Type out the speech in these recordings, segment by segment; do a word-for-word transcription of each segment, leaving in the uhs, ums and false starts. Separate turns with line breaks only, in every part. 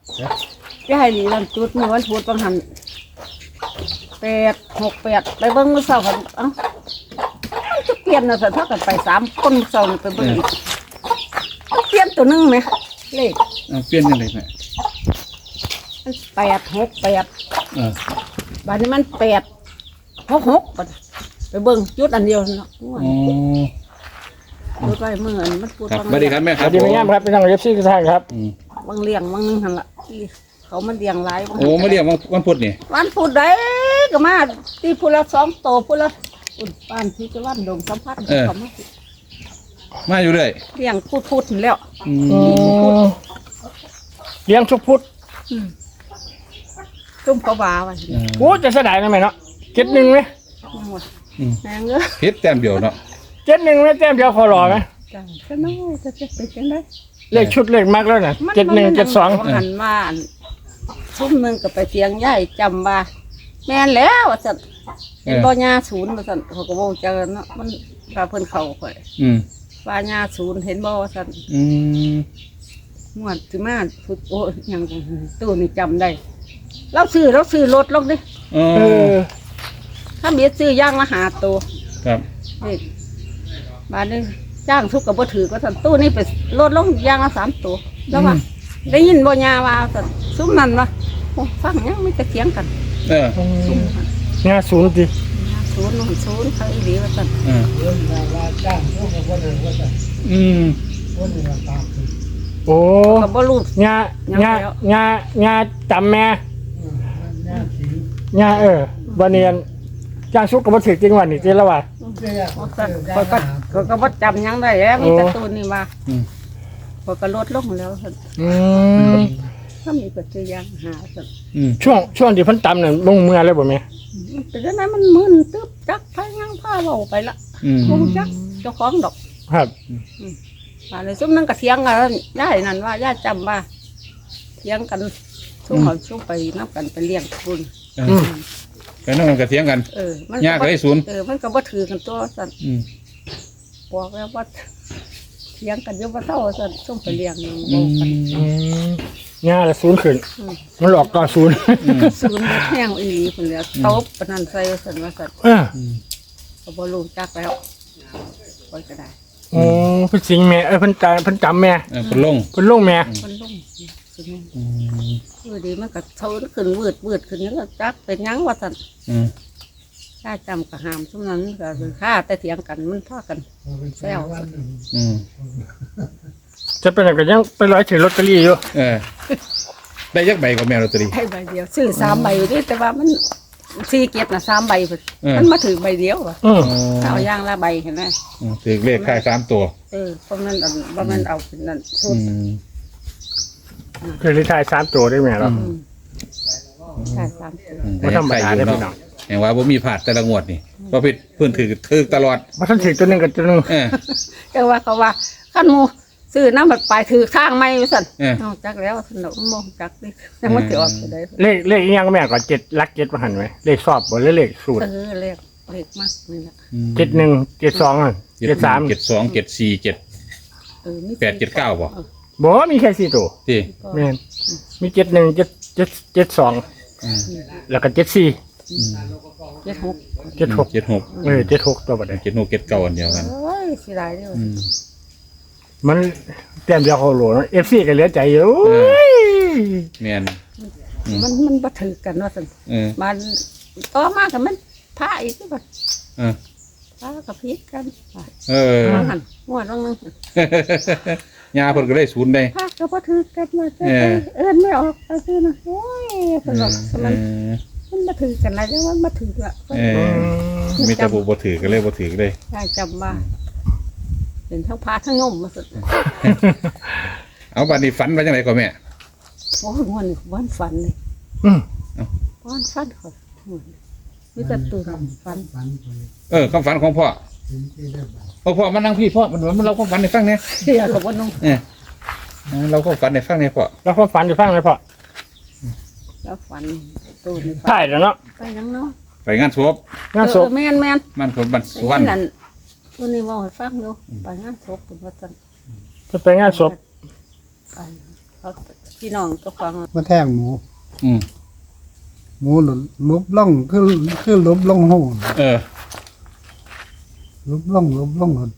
จะให้ดีลังจุดเมื่อวันพุธบางหันแปดหกแปดไปเบิ้งมือเสากันเอ้าจะเปลี่ยนนะสันเท่ากันไปสามคนเสาไปเบิ้งเปลี่ยนตัวนึงไหมเลข
เปลี่ยนยังไงแม่
แปดหกแปด
เออ
บัดนี้มันแปดหกหกไปเบิ้งจุดอันเดียวเนาะ
อ๋อ
ดูไปเมื่อมันพูด
ครับสวัสดีครับแม่ค
ส
รับ
วัสดีแม่ย่ามครับเป็นทางเอฟซีทุกท่านครับ
บางเลี้ยงบางนึงหันละเขามันเลี้ยงหลาย
โอ้มาเรียกวันพุธนี่
วันพูดได้ก็มาที่พูดละสองโตพูดละอุ่นปานที่จะวันดงสัมผัสเขามา
มาอยู่เลย
เลี้ยงพูดพูดแล้ว
อื
อื
ม
มเลี้ยงชุกพุทธ
จุ่มเขาบาไว้
โอ้จะเสียดายนะแม่เนาะเจ็ดหนึ่งไหม
หมดแมงเอ้ย
เฮ็ดแต้มเดียวเนาะ
เจ็ดหนึ่งไหมแต้มเดียวคอรอไหม
จังก็น้องจะจะเป็นจังได
เลขชุดเลขมากแล้วนะเจ็ดหนึ่งเจ็ดสอง
หันมาทุ่มหนึ่งก็ไปเสียงใหญ่จำว่าแม่นแล้วว่าสัตว์เป็นบ่ยาศูนย์ว่าสัตว์เขาก็บอกเจอเนาะมันพาเพิ่นเข้าข่อย
อืม
ว่ายาศูนย์เห็นบ่ว่าสัตว์
อืม
งวดสิมาฝึกโอ้ยังตู้นี่จำได้เราซื้อเราซื้อรถลงดิ
อ๋อ
เออ
ถ้ามีซื้อย่างละหาตัว
ครับ
นี่บาทนึงจ้างทุกกับบ่ถือก็สันตู้นี่ไปลดลงย่างละสามตัวแล้วว่าได้ยินบ่ยาว่าสันซุ้มนั่นวะโอ้ฟังยังไม่ตะเถียงกัน
เออ
ซุ้มนั่น
งานศูนย์ดิ
ศูนย์นู่นศูนย์เขาอีหลีว่าสัน
เอออืม
โอ้
กับบ่รู้
งานงานงานงานจำแม่งานเออวันเนียนจ้างชุกกับมาถือจริงวันนี้จริงแล้วว่ะ
ว่าสันข้อยก็ข้อยก็บ่จำยังได้แล้วมีแต่ตู้นี่ว่า
อืม
ข้อยก็ลดลงแล้วสัน
อืม
ถ้ามีก็ซื้อย่างหาสัน
อืม
ช่วงช่วงที่เพันตำเนี่ยลงเมื่อเลยบ่แม่
แต่ดังนั้นมันมึนตึ๊บจักพายังพาเว้าไปละ
อืม
บ่รู้จักเจ้าของดอก
ครับ
ว่าเลยซุ้มนั่นก็เถียงกันย่ายนั่นว่าย่าจำว่าเถียงกันซุ้มเขาซุ้มไปนับกันไปเลี้ยงคุณ
เออไปนั่งกันกระเทียงกัน
เออมัน
ยากเลยศูนย์
เออมันก็บ่ถือกันตัวสั่น
อืม
บอกแล้วว่าเถียงกันอยู่บ่เท่าสั่นซุ้มไปเลี้ยง
อื
บอกกัน
ม
อืมงานละศูนย์ขึ้นมันหลอกก่อนศูนย์
ศูนย์บ่แห้งอีหลีพุ่นแล้วตบปานนั้นใส่สั่นว่าสั่น
เออ
ก็บ่รู้จักแล้วคอยก็ได้
โอ้เพิ่นสิงแม่เอ้ยเพิ่นจำเพิ่นจำแม่
เออเป็นลง
เพิ่นลงแม่
มันลงสิแม่
อืม
เออดีมันก็เท่าขึ้นวืดวืดขึ้นแล้วก็จักเป็นหยังว่าสั่น
อืม
ถ้าจำก็ห้ามซุมนั้นก็คือค่าแต่เถียงกันมันพากันแซวสั่น
อืม
จะเป็นอะไรก็ยังไปร้อยถือลอตเตอรี่อยู่
เออได้ยักใบกับแมวลอตเตอรี่
ให้ใบเดียวซื้อสามใบอยู่ดิแต่ว่ามันสี่เกียรตินะสามใบพุ่น
เออ
มันมาถือใบเดียวอะ
อืม
เอาอย่างละใบเห็นไหม
อืมถือเลขค่ายสามตัว
เออเพราะมันอันเพราะมันเอาเป็นนั่นสุ
อื
ด
ม
คือลิทายสามตัวได้แม่เนาะ
อืมใช่สามตัว
อืม
บ่ธรรมดา
แต่
เด้
ยัง
พี่
ใส่อยู่
น้อง
เนาะแห่งว่าบ่มีผาดแต่ละงวดนี่เพราะเพิ่นเพิ่นถือถือตลอด
มาทันถือตัวหนึงกับตัวหนึง
เออ
แต่ว่าเขาว่าขั้นหมูซื้อน้ำบัดปลายถือข้างไม่สั่น
เออ
นอกจากแล้วสนุกมองจักดิยังไม่ถือออกไปได้
เลขเลขอีหยังแม่ก็เจ็ดลักเจ็ดมาหันไหมเลขสอบบ่หรือเลขสูตร
เออเลขเลขมากนี่แหละ
เจ็ดหนึ่งเจ็ดสองอ่ะ
เจ็ด
เจ็ดสาม
เจ็ดสองเจ็ดสี่เจ็ด
เออมี
แปดเจ็ดเก้าบ่
ออ
บ่มีแค่สี่ตัว
ที่
ก็
แม่นมีเจ็ดหนึ่งเจ็ดเจ็ดเจ็ดสอง
อืม
แล้วก็เจ็ดสี่
เจ็ดหก
เจ็ดหก
เจ็ดหก
เออเจ็ดหกตัวบัดนี้
เจ็ดหกเจ็ดเก้าอันเดียวกัน
เอ้ยเสียดายเด้อ
อืม
มันแต้มเดียวเขาโหลเอฟซีก็เหลือใจอยู่
เออ
โอ้ย
แม่น
มันมันบ่ถือกันว่าสั่น
เออ
มันต่อมากับมันพระอีกที่บ่
เออ
พระกับพีกัน
เออ
ว่าหันงวดลงนึง
ยาเพิ่นก็ได้ศูนย์ได้
พระก็บ่ถือกันว่าจะ
เออ
เอิ้นไม่ออกก็คือนะโอ้ยสนุก
เอ
มัน
อ
มันบ่ถือกันอะไรจังว่าบ่ถือละ
เออมีแต่บ่บ่ถือก็เลยบ่ถือเลย
ได้จำว่าเป็นทั้งพระทั้งโยมมาสุด
เอาบัดนี้ฝันว่าจังไดก่อนแม่
โอ้ยงวดนี้วันฝันเลย
อืม
วันฝันเขางวดนี้มีแต่ตื่นฝัน
เออความฝันของพ่อพ่อพ่อมานั่งพี่พ่อมันมันเราความฝันให้ฟังเนี่ย
เสียกับว่าน้อง
เออเราความฝันให้ฟังเนี่ยพ่อ
แล้วความฝันอยู่ฟังเลยพ่อ
แล้วฝันตื่นฝัน
ใช่แล้วเนาะ
ไปยังเนาะ
ไปงานศพ
งานศพ
เออแม่นแม่น
มันคนบันสุวรรณ
นั่นตัวนี้ว่าให้ฟังอยู่ไปงานศพเป็นว่าจัน
จะไปงานศพ
ไปเขาพี่น้องก็ฟัง
มาแทงหมู
อืม
หมูหลุดลุบล่องคือคือลุบล่องโหน
เออ
ลุบล่องลุบล่องหน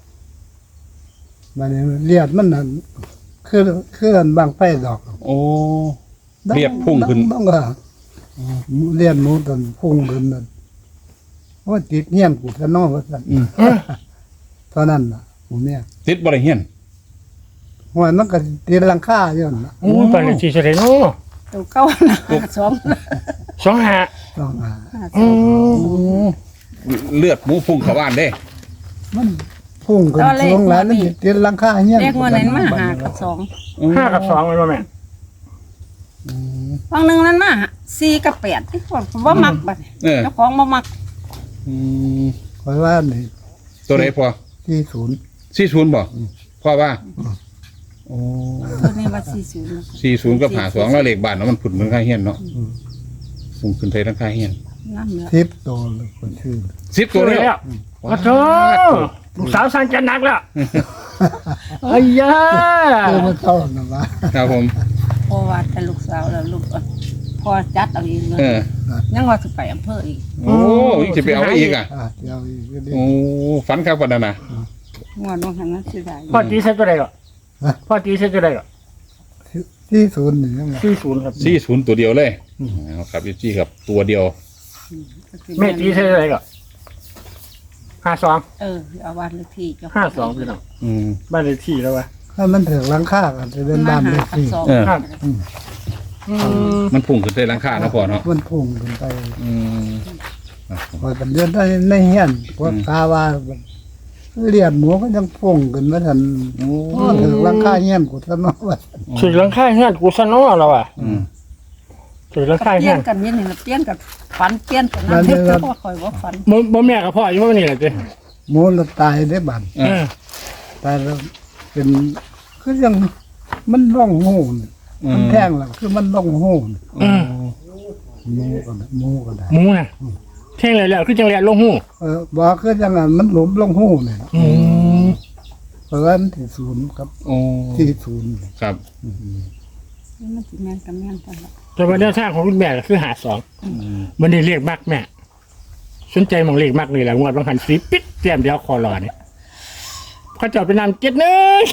มันเลียดมันนั่นคือคืออันบางไฟดอก
โอ้เลียดพุ่งขึ้น
ต้องก็เลียดหมูตอนพุ่งขึ้นนั่นว่าติดเงี้ยนกูจะนอกว่าสั่น
อืม
เท่านั้นน่ะผมเนี่ย
ติดบ่ได้เฮียน
หัวมันก็ตีลังค่าอยู่นั่นน่ะ
โอ้ยปานเลขที่เท่าไหร่เนาะ
ตัวเก้านะสอง
สองห้า
ต้องหา
อืม
เลือดหมูพุ่งเข้าบ้านเด้
มันพุ่งขึ้นสูงแล้วนั่นตีลังค่าเงี้ยน
เรียกว่านั้นมาหากับสอง
ห้ากับสองเลยว่าแม่
อืม
ฟังหนึ่งนั้นมาสี่กับแปดที่ผมว่ามักบัด
เออ
เจ้าของบ่มัก
อืม
คอยว่านี่
ตัวไหนพอ
ที่ศูนย์
สี่ศูนย์บ่พ่อว่าโอ้
ตัวนี้ว่าสี่ศูนย์
สี่ศูนย์กับหาสองแล้วเลขบ้านเนาะมันผุดเหมือนค่าเฮียนเนาะพุ่งขึ้นไทยทั้งค่าเฮียน
น้ำเนื้อ
ทิปโตเลยคนชื่อ
สิบตัวเลย
แล้วโอ้โหลูกสาวสั่งจัดหนักแล้วไอ้ยา
คือมันเข้านะวะ
ครับผม
เพราะว่าแต่ลูกสาวแล้วลูกพอจัดเอาเองเลย
เออ
ยังว่าจะไปอำเภออีก
โอ้ยจะไปเอาไว้อีกอ่ะ
อ่ะเดี๋ยวอีกก็ได้
โอ้ฝันครับวันนั้นนะ
งอนว่าหันนั้นสิได้
พ่อตีเส้นตัวใดก่อนพ่อตีเส้นตัวใดก่อน
ที่ศูนย์นี่ยังไง
สี่ศูนย์ครับ
สี่ศูนย์ตัวเดียวเลยเอาครับพี่จี้ครับตัวเดียว
แม่ตีเส้นตัวใดก่อนห้าสอง
เออเอาวันเลขที่เจ้า
ห้าสองพี่น้อง
อืม
บ้านเลขที่แล้ววะ
ถ้ามันถึงหลังค่าก็จะเป็น
มา
บ้าน
หา
เลข
กับ
ที่
สอง
เออ
ครับอืม
มันพุ่งขึ้นไทยทั้งค่าเนาะพ่อเนาะ
มันพุ่งขึ้นไป
อืม
พอเป็นเดือนได้ในเฮียนพวกกาว่าเลียดหมูก็ยังพุ่งขึ้นมาทัน
โอ้
พอถึงหลังค่าเฮียนกูจะนอกว่า
ถือหลังค่าเฮือนกูซะเนาะเราอ่ะ
อืม
ถือหลังค่า
เป
เฮื
ลี่
อย น
นกันนี่นี่เปลี่ยนกับฝันเปลี่ยนกันนั่นเฮ็ดเพราะว่าคอยว่าฝัน
บ่บ่แม่กับพ่ออยู่ว่านี่แหละจ้ะ
หมูเราตายได้บัน
เออ
ตายแล้วเป็นคือยังมันร่องหูนมันแท่งแล้วคือมันร่องหูน
อืม
หมูก็ได้หมูก็ได้
หมูน่ะเท่งเลยแล้วคือจังแลลงหู
เออบอกคือยังไงมันหลุมร่องหูเนี่ย
อืม
เพราะว่ามันที่ศูนย์ครับ
โอ้
ที่ศูนย์
ครับ
มันสิแม่นกับแม่นกันละ
แต่ว่าแนวทางของคุณแม่ก็คือหาสอง
อืม
มันได้เรียกมากแม่สนใจมองเลขมากเลยแหละงวดบางหันสีปิดเตรียมเดียวคอรอเนี่ยเขาเจาะไปนำเจ็ดหนึ่ง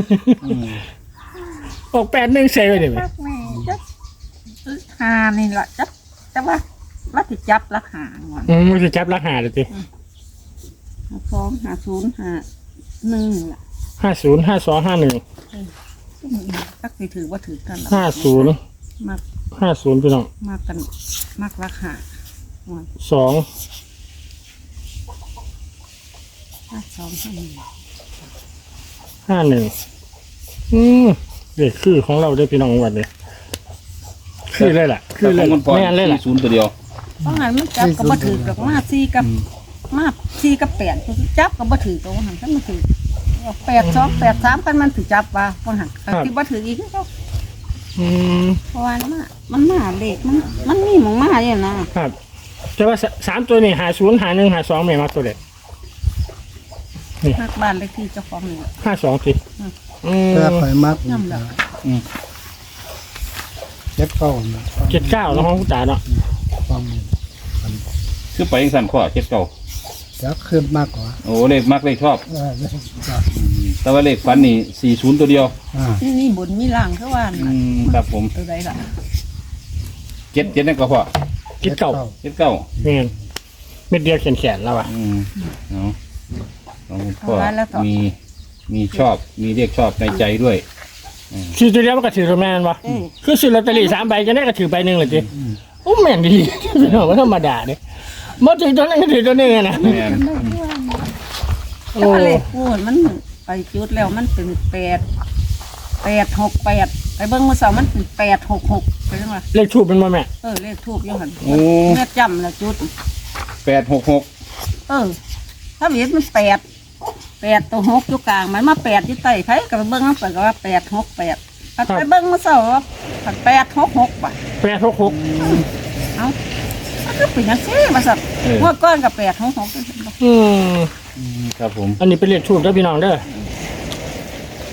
ออกแปดหนึ่งเซไปเลยไหม
รักแม่จับหานี่ล่ะจับแต่ว่าว่าสิจับราคางอน
อืมมันจะจับราคาเลยสิ
หาสองหาศูนย์หาหนึ่งล่ะ
ห้าศูนย์ห้าสองห้าหนึ่ง
จักสิถือว่าถือกันล่ะ
ห้าศูนย์
มาก
ห้าศูนย์พี่น้อง
มากกันมากราคาหอน
สอง
ห้าสองห้าหนึ่ง
ห้าหนึ่งอืมเด็กคือของเราได้พี่น้องวันเลยคือเลยล่ะ คือเลย
แต่ของคุณพ่อ
แม่นเลยล่ะ
สี่ศูนย์ตัวเดียว
เพราะงั้นมันจับก็บ่ถือกับมาสี่กับมาสี่กับแปดจับก็บ่ถือตัวหันคันมันถือแปดสองแปดสามกันมันถือจับว่าเพราะหันที่บ่ถืออีกคือเขา
อืม
เพราะว่ามันมามันมาเด็กมันมันมีหมองมาเนี่ยนะครับ
แต่ว่าสสามตัวนี่หาศูนย์หาหนึ่งหาสองไม่มาตัวเด็ด
มากบ้านเลขที่เจ้าของนี่
ห้าสองสิอืม
แต่ข่อยมัก
ย่ำแล้ว
อืม
เจ็ดเก้านะ
เจ็ดเก้าแล้วของคุณตาเนาะ
ความ
คือไปยังสั่นข้อเจ็ดเก้า
จะขึ้นมากกว่า
โอ้เลขมักเลขชอบ
เออได้ครับ
แต่ว่าเลขฝันนี่สี่ศูนย์ตัวเดียว
อ่า
นี่นี่บุญมีล่างคือว่า
อืมครับผม
ตัวใดล่ะ
เจ็ดเจ็ดนั่นก็พอ
เจ็ดเก้า
เจ็ดเก้า
เงี้ยเม็ดเดียวแขนแขนแล้วอ่ะ
อืมเอาเอาพ่อมีมีชอบมีเรียกชอบในใจด้วย
ซื้อตัวเดียวมันก็ถือตัวแม่นวะคือซื้อลอตเตอรี่สามใบจะได้ก็ถือใบหนึ่งเลยจีโอ้แม่นดีพี่น้องว่าธรรมดาเนี่ยมาถือตัวนั้นก็ถือตัวนี้นะ
แม่น
โอ้
แต่ว่าเลขพูดมันไปจุดแล้วมันเป็นแปดแปดหกแปดไปเบิ้งมือเสามันเป็นแปดหกหกไปจังหวะ
เลขทูบเป็นบ่แม่
เออเลขทูบยังหัน
โอ้
เมื่อจำแล้วจุด
แปดหกหก
เออ ถ้าเห็นมันแปดแปดตัวหกอยู่กลางมันมาแปดที่ใต้ไผกับเบิ้งมันเปิดก็ว่าแปดหกแปดไปเบิ้งมือเสาว่าแปดหกหกป่ะ
แปดหกหก
เอ้ามันก็เป็นอยังซี่มาสักงวดก้อนกับแปดหกหก
อืม
ครับผม
อันนี้เป็นเลขทูบเด้อพี่น้องเด้อ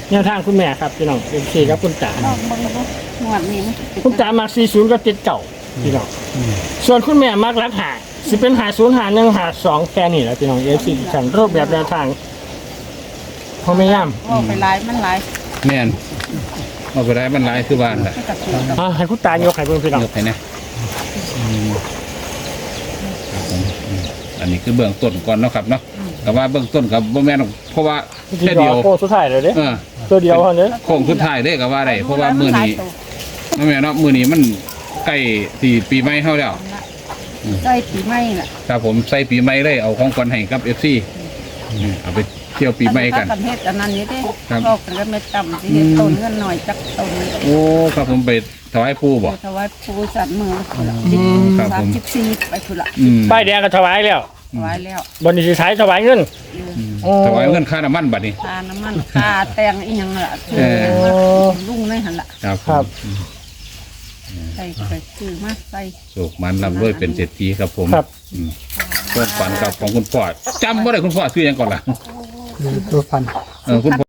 แนวทางคุณแม่ครับพี่น้องเอฟซีครับคุณตา
ลองเบิ่งดูงวดนี้มันสิ
คุณตามักสี่ศูนย์ก็ติดเก่าพี่น้องส่วนคุณแม่มักรักหาสิเป็นหาศูนย์หาหนึ่งหาสองแค่นี้แหละพี่น้องเอฟซีฉันรูปแบบแนวทางพอไม่ย่
ว่าไปหลายมันหลาย
แม่นเอาไปได้มันหลายคือบ้านล่ะ
มันก็ถูกกับ
ำอ่าให้คุณตายกให้เพื่อนพี่น้อง
ยกให้นะอืมครับผมอืมอันนี้คือเบื้องต้นก่อนเนาะครับเนาะแต่ว่าเบื้องต้นกับบ่แม่นหรอกเพราะว่า
ที่
แค่
เดี
เดี
ย
ยว ว
โค้งสุดท้ายเลยเด้
เออ
ตัวเดียวเท่านี้
โค้งสุดท้ายเด้ก็ว่าได้เพราะว่ามื้อนี้บ่แม่นเนาะมื้อนี้มันใกล้สี่ปีใหม่เฮาแล้ว
ใส่ปีใหม่ล่ะ
ครับผมใส่ปีใหม่เลยเอาของขวัญให้กับ เอฟ ซี อืมเอาไปเที่ยวปีใหม่กัน
ถ้ากันเฮ็ดอันนั้นนี่เด้
ครับ
บอกกันก็ไม่จำสิเฮ็ดต้นเงินหน่อยจักต้น
โอ้ครับผมไปถวายปู่บ่
ถวายปู่สัตว์มือพุ่นละ
ครับผม
สามสิบสี่ไปพุ่นละ
อืม
ป้ายแดงก็ถวายแล้ว
ถวายแล้ว
บนนี้สิใช้ถวายเงิน โอ้
ถวายเงินค่าน้ำมันบัดนี้
ค่าน้ำมันค่าแต่งอีหยังล่ะคือ
เออ
ลุงในหั่นล่ะ
ครับ
ครับ
ใส่ไปซื้อมาใส่
สุขมันลำรวยเป็นเศรษฐีครับผม
ครับ
อืมความฝันกับของคุณพ่อจำบ่ได้คุณพ่อชื่อหยังก่อนล่ะ
ตัวพัน
เออคุณพ่อ